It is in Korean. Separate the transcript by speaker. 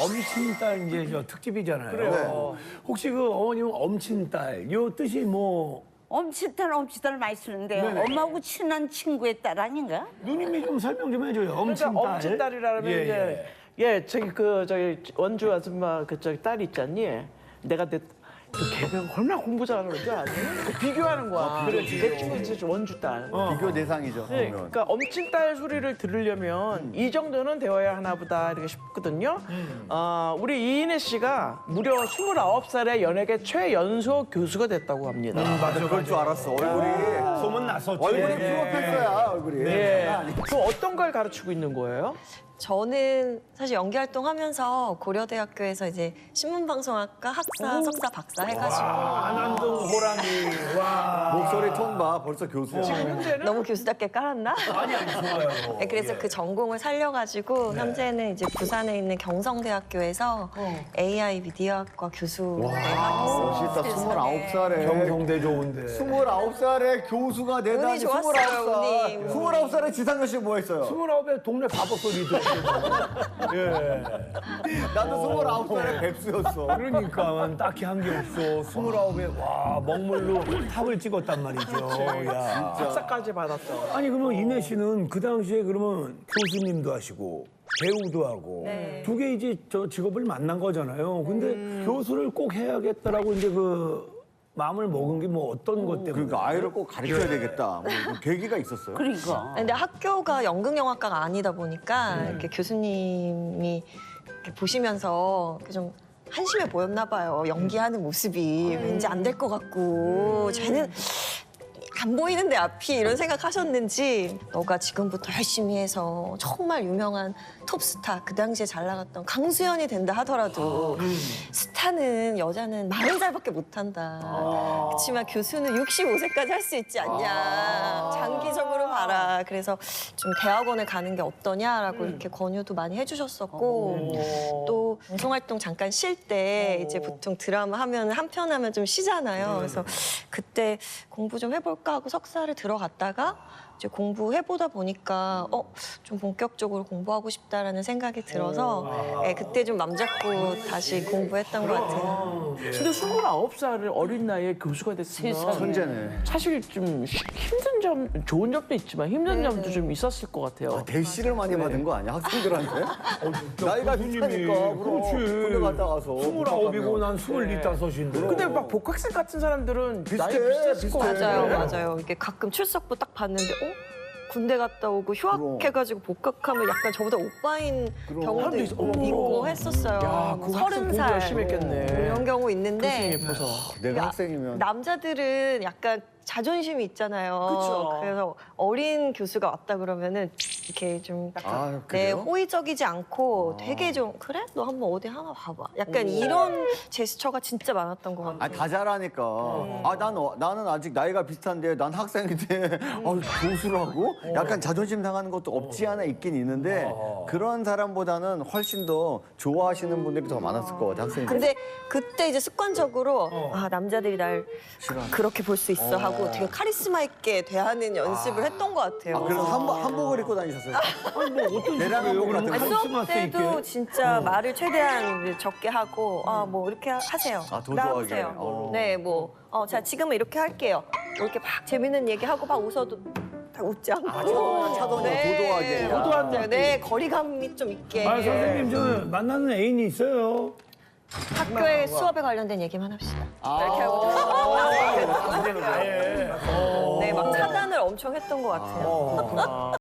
Speaker 1: 엄친딸 이제 저 특집이잖아요.
Speaker 2: 그래요.
Speaker 1: 혹시 그 어머님 엄친딸 요 뜻이 뭐
Speaker 3: 엄친딸 많이 쓰는데요.
Speaker 1: 네네.
Speaker 3: 엄마하고 친한 친구의 딸 아닌가?
Speaker 1: 누님이 좀 설명 좀 해줘요.
Speaker 2: 그러니까
Speaker 1: 엄친딸.
Speaker 2: 엄친딸이라면
Speaker 1: 예,
Speaker 2: 이제 예, 저기 원주 아줌마 그 저기 딸 있잖니. 내가 그 걔가 얼마나 공부 잘하는지 아니? 비교하는 거야.
Speaker 1: 그렇지.
Speaker 2: 내 친구 이제 원주 딸.
Speaker 4: 비교 대상이죠.
Speaker 2: 네,
Speaker 4: 그러면.
Speaker 2: 그러니까 엄친딸 소리를 들으려면 이 정도는 되어야 하나 보다 이렇게 싶거든요. 우리 이인혜 씨가 무려 29살에 연예계 최연소 교수가 됐다고 합니다.
Speaker 4: 맞아, 그럴 줄 알았어. 얼굴이
Speaker 1: 소문 났었지.
Speaker 4: 얼굴이 프로페서야, 얼굴이.
Speaker 2: 예. 그 어떤 걸 가르치고 있는 거예요?
Speaker 5: 저는 사실 연기 활동하면서 고려대학교에서 이제 신문방송학과 학사, 석사, 박사 해가지고
Speaker 1: 안한동 호랑이. 와.
Speaker 4: 목소리 톤 봐, 벌써 교수야.
Speaker 2: 지금 현재는
Speaker 5: 너무 교수답게 깔았나?
Speaker 1: 아니 좋아요.
Speaker 5: 네, 그래서
Speaker 1: 예.
Speaker 5: 그 전공을 살려가지고 현재는 이제 부산에 있는 경성대학교에서 AI 미디어학과 교수를 하고
Speaker 4: 멋있다, 29살에.
Speaker 1: 경성대 좋은데.
Speaker 4: 29살에 교수가 되다니.
Speaker 5: 운이 좋았어요, 운이.
Speaker 4: 29살에 지상렬 씨 뭐 했어요?
Speaker 1: 29에 동네 바보 소리 듣고. 예.
Speaker 4: 나도 29살에 뱁스였어.
Speaker 1: 그러니까 딱히 한 게 없어. 29에 와 먹물로 탑을 찍었단 말이죠. 야.
Speaker 2: 박사까지 받았죠.
Speaker 1: 아니 그러면 이내 씨는 그 당시에 그러면 교수님도 하시고 배우도 하고
Speaker 5: 네.
Speaker 1: 두 개 이제 저 직업을 만난 거잖아요. 근데 교수를 꼭 해야겠다라고 이제 그 마음을 먹은 게 뭐 어떤 것 때문에?
Speaker 4: 그러니까 아이를 꼭 가르쳐야 되겠다. 뭐 계기가 있었어요?
Speaker 3: 그러니까.
Speaker 5: 근데 학교가 연극영화과가 아니다 보니까 이렇게 교수님이 이렇게 보시면서 이렇게 좀 한심해 보였나 봐요. 연기하는 모습이 왠지 안 될 것 같고 쟤는 안 보이는데 앞이 이런 생각하셨는지 너가 지금부터 열심히 해서 정말 유명한 톱스타 그 당시에 잘 나갔던 강수연이 된다 하더라도 스타는 여자는 40살밖에 못한다. 그렇지만 교수는 65세까지 할 수 있지 않냐. 장기적으로 봐라. 그래서 좀 대학원을 가는 게 어떠냐라고 이렇게 권유도 많이 해주셨었고 또 방송활동 잠깐 쉴 때 이제 보통 드라마 하면 한 편 하면 좀 쉬잖아요. 그래서 그때 공부 좀 해볼까 하고 석사를 들어갔다가 이제 공부해보다 보니까 좀 본격적으로 공부하고 싶다라는 생각이 들어서 예, 그때 좀 맘 잡고 다시 공부했던 것 같아요.
Speaker 2: 근데 29살을 어린 나이에 교수가 됐으면
Speaker 4: 천재네.
Speaker 2: 사실 좀 힘든 점, 좋은 점도 있지만 힘든 점도 좀 있었을 것 같아요.
Speaker 4: 대시를 많이 받은 거 아니야? 학생들한테? 나이가 비슷하니까.
Speaker 1: 그렇지.
Speaker 4: 군대 갔다 가서.
Speaker 1: 29이고 난 25인데.
Speaker 2: 근데 막 복학생 같은 사람들은 나이
Speaker 4: 비슷해,
Speaker 2: 비슷했을 것
Speaker 4: 비슷해.
Speaker 2: 같아요.
Speaker 5: 맞아요. 이게 가끔 출석부 딱 봤는데 군대 갔다 오고 휴학해가지고 복학하면 약간 저보다 오빠인
Speaker 4: 그럼.
Speaker 5: 경우도
Speaker 2: 사람도 있어.
Speaker 5: 있고 했었어요.
Speaker 2: 야, 그 학생 공부
Speaker 5: 30살
Speaker 2: 열심히 했겠네.
Speaker 5: 이런 경우 있는데
Speaker 2: 교수님 예뻐서.
Speaker 4: 내가 학생이면.
Speaker 5: 남자들은 약간 자존심이 있잖아요.
Speaker 2: 그쵸.
Speaker 5: 그래서 어린 교수가 왔다 그러면은 이렇게 좀
Speaker 4: 아,
Speaker 5: 네,
Speaker 4: 그래요?
Speaker 5: 호의적이지 않고 되게 좀 그래? 너 한번 어디 하나 봐봐. 약간 이런 제스처가 진짜 많았던 것 같아요.
Speaker 4: 다 잘하니까. 나는 아직 나이가 비슷한데 난 학생인데 교수라고? 약간 자존심 상하는 것도 없지 않아 있긴 있는데 그런 사람보다는 훨씬 더 좋아하시는 분들이 더 많았을 것 같아, 학생들.
Speaker 5: 근데 그때 이제 습관적으로 남자들이 날 그렇게 볼 수 있어 하고 되게 카리스마 있게 대하는 연습을 했던 것 같아요.
Speaker 4: 그래서 한복을 입고 다니셨어요?
Speaker 1: 아니 뭐 어떤
Speaker 4: 내랑
Speaker 1: 식으로
Speaker 4: 한복 같은
Speaker 1: 그러면
Speaker 4: 거.
Speaker 5: 수업
Speaker 1: 카리스마스 있게?
Speaker 5: 때도 진짜 말을 최대한 적게 하고 뭐 이렇게 하세요.
Speaker 4: 도도하게.
Speaker 5: 나오세요. 네, 뭐 자 지금은 이렇게 할게요. 뭐 이렇게 막 재밌는 얘기하고 막 웃어도 다 웃지 않고
Speaker 4: 차도는 도도하게.
Speaker 2: 도도한
Speaker 5: 네, 거리감이 좀 있게
Speaker 1: 아 선생님 저 만나는 애인이 있어요.
Speaker 5: 학교에 수업에 관련된 얘기만 합시다. 이렇게 하고 네, 막 차단을 엄청 했던 것 같아요.